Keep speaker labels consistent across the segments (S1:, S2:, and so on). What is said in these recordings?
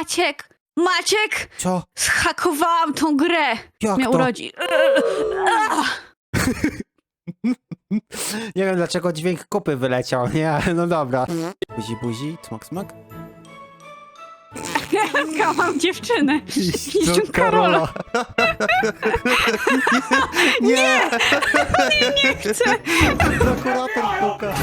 S1: Maciek!
S2: Co?
S1: Zhakowałam tą grę!
S2: Jak
S1: Mnie
S2: to?
S1: urodzi.
S2: Nie wiem dlaczego dźwięk kupy wyleciał, nie? Ale no dobra. Buzi, buzi, smak, smak.
S1: Ja mam dziewczynę. Niczym Karola.
S2: Nie!
S1: Nie chcę.
S2: Prokurator puka.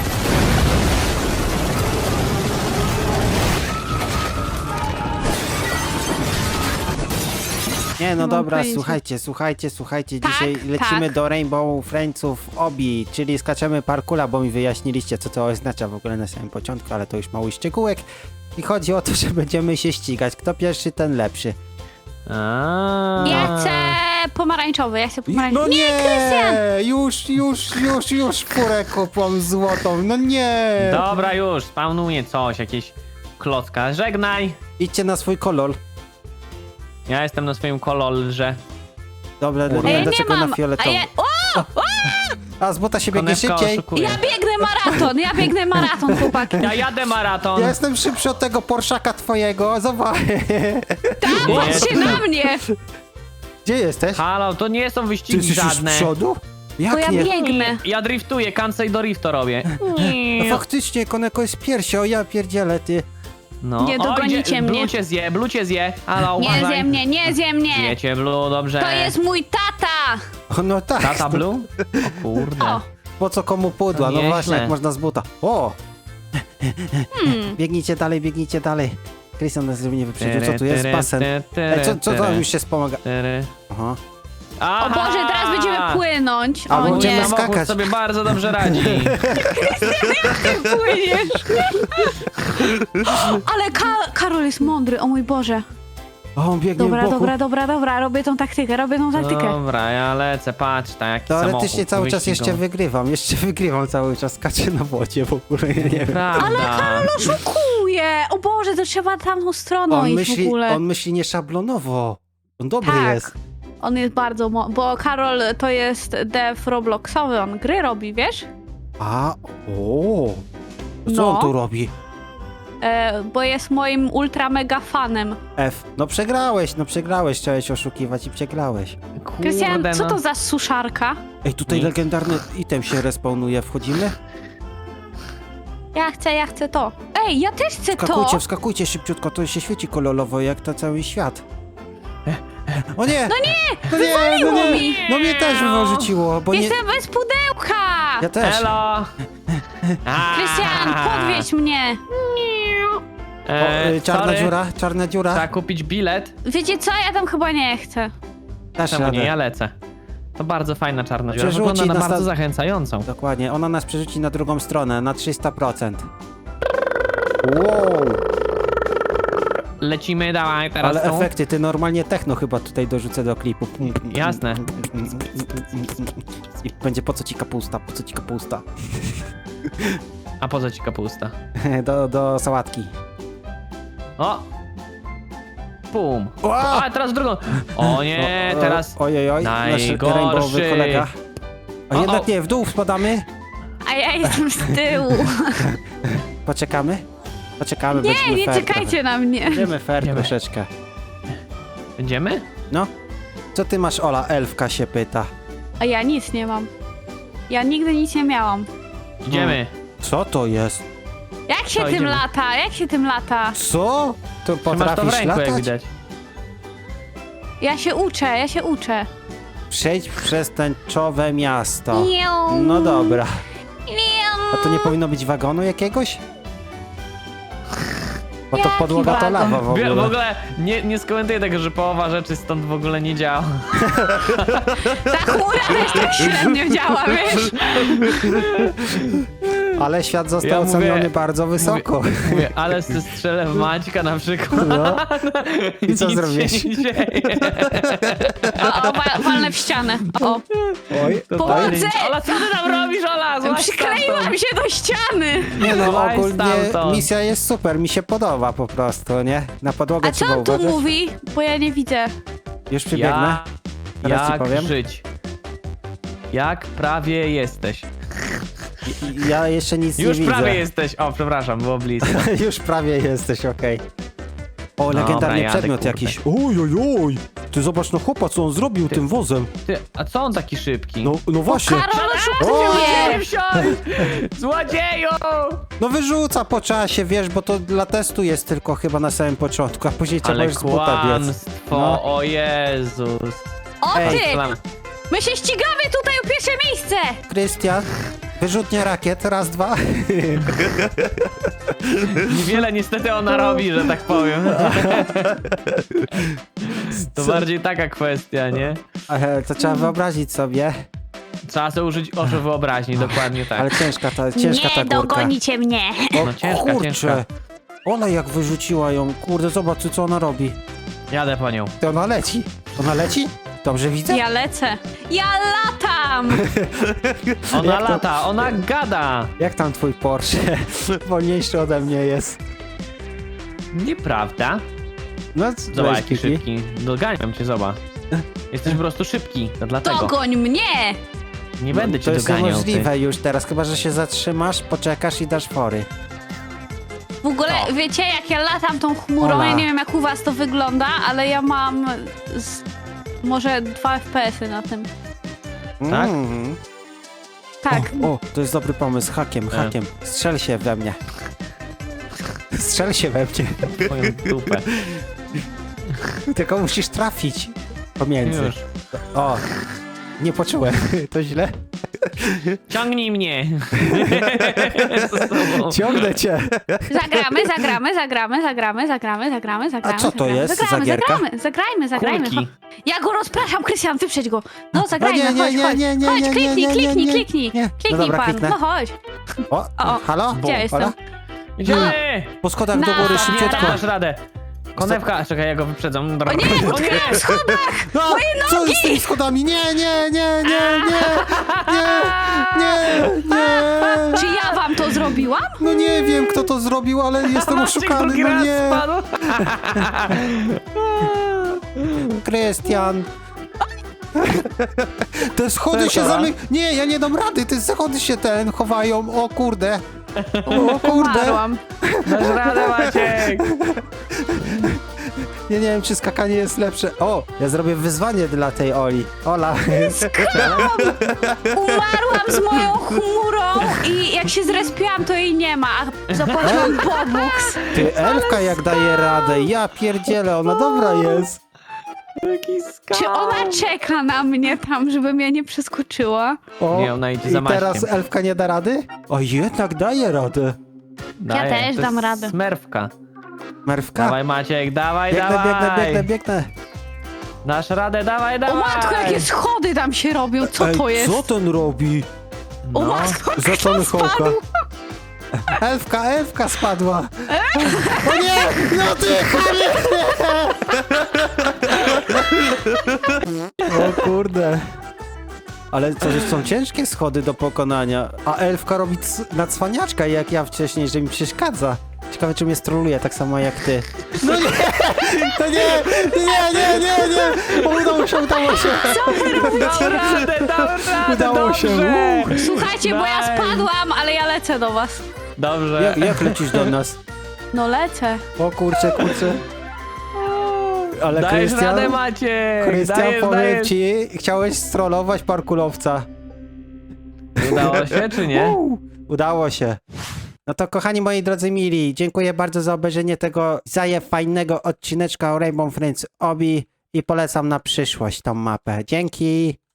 S2: Nie, no
S1: mam
S2: dobra,
S1: pojęcia.
S2: słuchajcie.
S1: Tak,
S2: Dzisiaj lecimy
S1: tak.
S2: do Rainbow Friendsów Obi, czyli skaczemy parkura, bo mi wyjaśniliście, co to oznacza w ogóle na samym początku, ale to już mały szczegółek. I chodzi o to, że będziemy się ścigać. Kto pierwszy, ten lepszy.
S1: Ja chcę pomarańczowy,
S2: No nie!
S1: Krystian!
S2: Już furę kupłam złotą, no nie!
S3: Dobra, już, spawnuję coś, jakieś klocka. Żegnaj!
S2: Idźcie na swój kolor.
S3: Ja jestem na swoim kolorze.
S2: Dobra,
S3: Kurde.
S2: nie
S1: A ja
S2: wiem
S1: nie
S2: dlaczego
S1: mam.
S2: na fioletowy. A z buta się biegnie
S3: Konewka
S2: szybciej.
S3: oszukuje.
S1: Ja biegnę maraton, chłopaki.
S3: Ja jadę maraton.
S2: Ja jestem szybszy od tego Porszaka twojego, zobacz.
S1: Patrzcie na mnie!
S2: Gdzie jesteś?
S3: Halo, to nie są
S2: Ty
S3: wyścigi
S2: jesteś już z
S3: żadne.
S2: przodu?
S1: Bo ja
S2: Jak nie?
S1: biegnę.
S3: Ja driftuję, cancel do riftu robię.
S2: No faktycznie, Koneko jest pierwszy, o ja pierdzielę, ty.
S3: No.
S1: Nie dogonicie mnie.
S3: Blue cię zje. Halo,
S1: Nie
S3: uważaj.
S1: zje mnie!
S3: Zjecie Blue, dobrze.
S1: To jest mój tata!
S2: O, no tak.
S3: Tata Blue? O kurde.
S1: O,
S2: Po co komu pudła?
S3: To
S2: No
S3: nieźle.
S2: właśnie, jak można z buta. O! Biegnijcie dalej. Krystian nas mnie wyprzedził. Co tu jest? Basen. Co tam już się wspomaga? Aha.
S1: o Boże, teraz będziemy płynąć.
S2: A,
S1: O
S2: bo będziemy
S1: nie,
S2: skakać.
S3: Samochód sobie bardzo dobrze radzi.
S1: ty płyniesz. Ale Karol jest mądry, o mój Boże.
S2: O, on biegnie w boku.
S1: Dobra, robię tą taktykę.
S3: Dobra, ja lecę, patrz, tak jaki
S2: Teoretycznie
S3: samochód
S2: cały czas
S3: wyścigowy.
S2: jeszcze wygrywam cały czas, skaczę na wodzie w ogóle, ja nie wiem.
S3: Prawda.
S1: Oszukuje! O Boże, to trzeba tamtą stroną
S2: On
S1: iść w ogóle.
S2: myśli nieszablonowo. On dobry
S1: Tak.
S2: jest.
S1: On jest bardzo bo Karol to jest dev Robloxowy, on gry robi, wiesz?
S2: A, o. Co
S1: No.
S2: on tu robi?
S1: Bo jest moim ultra mega fanem.
S2: F. No przegrałeś, chciałeś oszukiwać i przegrałeś.
S1: Krystian,
S3: Kurde,
S1: co
S3: no.
S1: to za suszarka?
S2: Ej, tutaj
S3: Nic.
S2: legendarny item się respawnuje, wchodzimy?
S1: Ja chcę to. Ej, ja też chcę
S2: Wskakujcie szybciutko, to się świeci kolorowo jak to cały świat. O nie!
S1: Wywaliło mi!
S2: No mnie też wyrzuciło, bo nie...
S1: Jestem bez pudełka!
S2: Ja też.
S3: Elo!
S1: Krystian, podwieź mnie!
S2: Czarna dziura.
S3: Trzeba kupić bilet.
S1: Wiecie co? Ja tam chyba nie chcę.
S2: Dasz
S3: Czemu nie?
S2: radę.
S3: Ja lecę. To bardzo fajna czarna dziura.
S2: Przerzuci
S3: Wygląda na
S2: nas
S3: bardzo
S2: na-
S3: zachęcającą.
S2: Dokładnie, ona nas przerzuci na drugą stronę, na 300%. Wow!
S3: Lecimy, dawaj teraz
S2: Ale
S3: tu.
S2: efekty, ty normalnie techno chyba tutaj dorzucę do klipu.
S3: Jasne.
S2: I będzie po co ci kapusta.
S3: A po co ci kapusta?
S2: do sałatki.
S3: O! Pum.
S2: Wow!
S3: A, teraz w drugą. O nie, teraz...
S2: Ojej, nasz
S3: najgorszy.
S2: rainbowy kolega. A
S3: O,
S2: jednak
S3: o.
S2: nie, w dół spadamy.
S1: A ja jestem z tyłu.
S2: Poczekamy,
S1: Nie,
S2: będziemy
S1: nie
S2: fair
S1: czekajcie na mnie.
S2: trochę. Będziemy fair
S3: Idziemy.
S2: troszeczkę.
S3: Będziemy?
S2: No. Co ty masz, Ola? Elfka się pyta.
S1: A ja nic nie mam. Ja nigdy nic nie miałam.
S3: Idziemy.
S2: Co to jest?
S1: Jak się
S3: Co,
S1: tym
S3: idziemy?
S1: lata? Jak się tym lata?
S2: Co? To
S3: Ty masz to w
S2: potrafisz
S3: ręku, jak
S2: latać?
S3: widać.
S1: Ja się uczę.
S2: Przejdź przez tęczowe miasto.
S1: Miau.
S2: No dobra.
S1: Miau.
S2: A to nie powinno być wagonu jakiegoś? Bo to
S1: Jaki
S2: podłoga to
S1: wagon?
S2: lawa w
S3: W
S2: ogóle.
S3: ogóle nie skomentuję tego, że połowa rzeczy stąd w ogóle nie działa.
S1: Ta chmura też tak średnio działa, wiesz?
S2: Ale świat został
S3: Ja mówię-
S2: oceniony bardzo wysoko.
S3: Mówię, ale strzelę w Maćka na przykład.
S2: No. I co
S3: Nic
S2: zrobiłeś?
S3: się nie dzieje.
S1: Walnę w ścianę. O,
S2: Oj,
S1: Pomocy!
S3: Ola, co ty tam robisz, Ola? Złaź
S1: przykleiłam
S3: stamtąd.
S1: się do ściany.
S2: nie no,
S3: Złaź
S2: ogólnie
S3: stamtąd.
S2: misja jest super, mi się podoba po prostu, nie? Na podłogę
S1: A co
S2: trzeba
S1: on tu
S2: uważać.
S1: mówi? Bo ja nie widzę.
S2: Już przybiegnę. Teraz ci
S3: Jak
S2: powiem.
S3: żyć? Jak prawie jesteś?
S2: Ja jeszcze nic
S3: Już
S2: nie widzę.
S3: prawie jesteś. O, przepraszam, było blisko.
S2: Już prawie jesteś, okej. O, legendarny
S3: jadę,
S2: przedmiot
S3: kurde.
S2: jakiś. Oj. Ty zobacz, no chłopa, co on zrobił tym wozem.
S3: Ty, a co on taki szybki?
S2: No właśnie.
S1: Karol
S2: O!
S1: oszukuje!
S3: Złodzieju!
S2: No wyrzuca po czasie, wiesz, bo to dla testu jest tylko chyba na samym początku, a później trzeba
S3: Ale
S2: już z buta biec.
S3: kłamstwo,
S2: No.
S3: o Jezus.
S1: O
S2: Ej,
S1: ty! My się ścigamy tutaj o pierwsze miejsce!
S2: Krystian, wyrzutnia rakiet, raz, dwa.
S3: Niewiele niestety ona robi, że tak powiem. To bardziej taka kwestia, nie?
S2: To trzeba wyobrazić sobie,
S3: Trzeba sobie użyć oczu wyobraźni, dokładnie tak.
S2: ale ciężka ta górka.
S1: dogonicie mnie!
S2: O
S3: No ciężka,
S2: kurczę,
S3: ciężka.
S2: ona jak wyrzuciła ją, kurde, zobacz co ona robi.
S3: Jadę po nią.
S2: To ona leci. Ona leci? Dobrze widzę?
S1: Ja lecę. Ja latam!
S3: Ona
S2: Jak to-
S3: lata, ona gada.
S2: Jak tam twój Porsche? Wolniejszy ode mnie jest.
S3: Nieprawda.
S2: No,
S3: Zobacz,
S2: weź,
S3: jaki
S2: Kiki.
S3: szybki. Doganiam cię, zobacz. Jesteś po prostu szybki, to dlatego.
S1: Dogoń mnie!
S3: Nie będę
S2: To
S3: cię
S2: jest
S3: doganiał.
S2: niemożliwe już teraz, chyba że się zatrzymasz, poczekasz i dasz fory.
S1: W ogóle,
S3: No.
S1: wiecie, jak ja latam tą chmurą,
S2: Ola.
S1: ja nie wiem jak u was to wygląda, ale ja mam może 2 FPS-y na tym.
S3: Tak?
S2: Mm.
S1: Tak.
S2: O, to jest dobry pomysł, hakiem. Strzel się we mnie. Strzel się we mnie.
S3: Ty, twoją dupę.
S2: Tylko musisz trafić pomiędzy.
S3: Już.
S2: O, nie poczułem. To źle.
S3: Ciągnij mnie. Z sobą.
S2: Ciągnę cię.
S1: Zagramy.
S2: A co to jest za gierka?
S1: Zagrajmy.
S3: Kulki.
S1: Ja go rozpraszam, Krystian, wyprzedź go. No
S2: O
S1: zagrajmy,
S2: nie,
S1: chodź. Chodź, kliknij.
S2: Nie. No
S1: Kliknij
S2: dobra,
S1: pan,
S2: kliknę.
S1: no chodź.
S2: O, halo?
S1: Gdzie jestem?
S2: Ola?
S3: Idziemy!
S2: Po schodach do góry,
S1: Na-
S2: szybciutko.
S3: Nie, dasz radę. Konewka, czekaj, ja go wyprzedzam.
S1: O nie, utknąłem w schodach!
S2: No, co jest z tymi schodami? Nie.
S1: Czy ja wam to zrobiłam?
S2: No nie wiem, kto to zrobił, ale jestem
S3: Maciek
S2: oszukany,
S3: drugi
S2: no
S3: raz
S2: nie.
S3: spadł.
S2: Krystian. Te schody się
S3: Ola?
S2: Nie, ja nie dam rady, te schody się chowają, o kurde. O kurde.
S1: Umarłam.
S3: Dasz radę, Maciek.
S2: Ja nie wiem, czy skakanie jest lepsze. O, ja zrobię wyzwanie dla tej Oli. Ola.
S1: Umarłam z moją chmurą i jak się zrespiłam, to jej nie ma. A zapłaciłam Bobuks.
S2: Ty, Elfka jak daje radę, ja pierdzielę, ona dobra jest.
S3: Jaki skał.
S1: Czy ona czeka na mnie tam, żebym ja nie przeskoczyła?
S2: O,
S3: Nie, ona idzie za
S2: i teraz
S3: Maćkiem.
S2: Elfka nie da rady? O, jednak daje radę.
S3: Daję,
S1: też
S3: to
S1: dam
S3: jest
S1: radę.
S3: Smerfka.
S2: Merwka.
S3: Dawaj, Maciek, dawaj,
S2: Biegnę,
S3: dawaj.
S2: biegnę.
S3: Dasz radę, dawaj,
S1: O
S3: dawaj.
S1: matko, jakie schody tam się robią, co
S2: Ej,
S1: to jest?
S2: co ten robi?
S1: O
S3: No.
S1: matko,
S2: Za
S1: kto
S2: Tony Hawka.
S1: spadł?
S2: Elfka spadła. O nie, no ty chamie. O kurde. Ale to że są ciężkie schody do pokonania, a Elfka robi na cwaniaczka jak ja wcześniej, że mi przeszkadza. Ciekawe, czy mnie stroluje tak samo jak ty. No nie, to nie. Udało się.
S3: Dał radę, dał radę,
S2: Udało się.
S3: dobrze.
S1: Słuchajcie, bo ja
S3: Nice.
S1: spadłam, ale ja lecę do was.
S3: Dobrze.
S2: Jak lecisz do nas?
S1: No lecę.
S2: O kurczę. Ale
S3: Dajesz radę,
S2: Krystian,
S3: Maciek.
S2: powiem
S3: Dajesz.
S2: ci, chciałeś strollować parkulowca.
S3: Udało się, czy nie?
S2: Udało się. No to kochani moi drodzy mili, dziękuję bardzo za obejrzenie tego fajnego odcineczka o Rainbow Friends Obi i polecam na przyszłość tą mapę. Dzięki!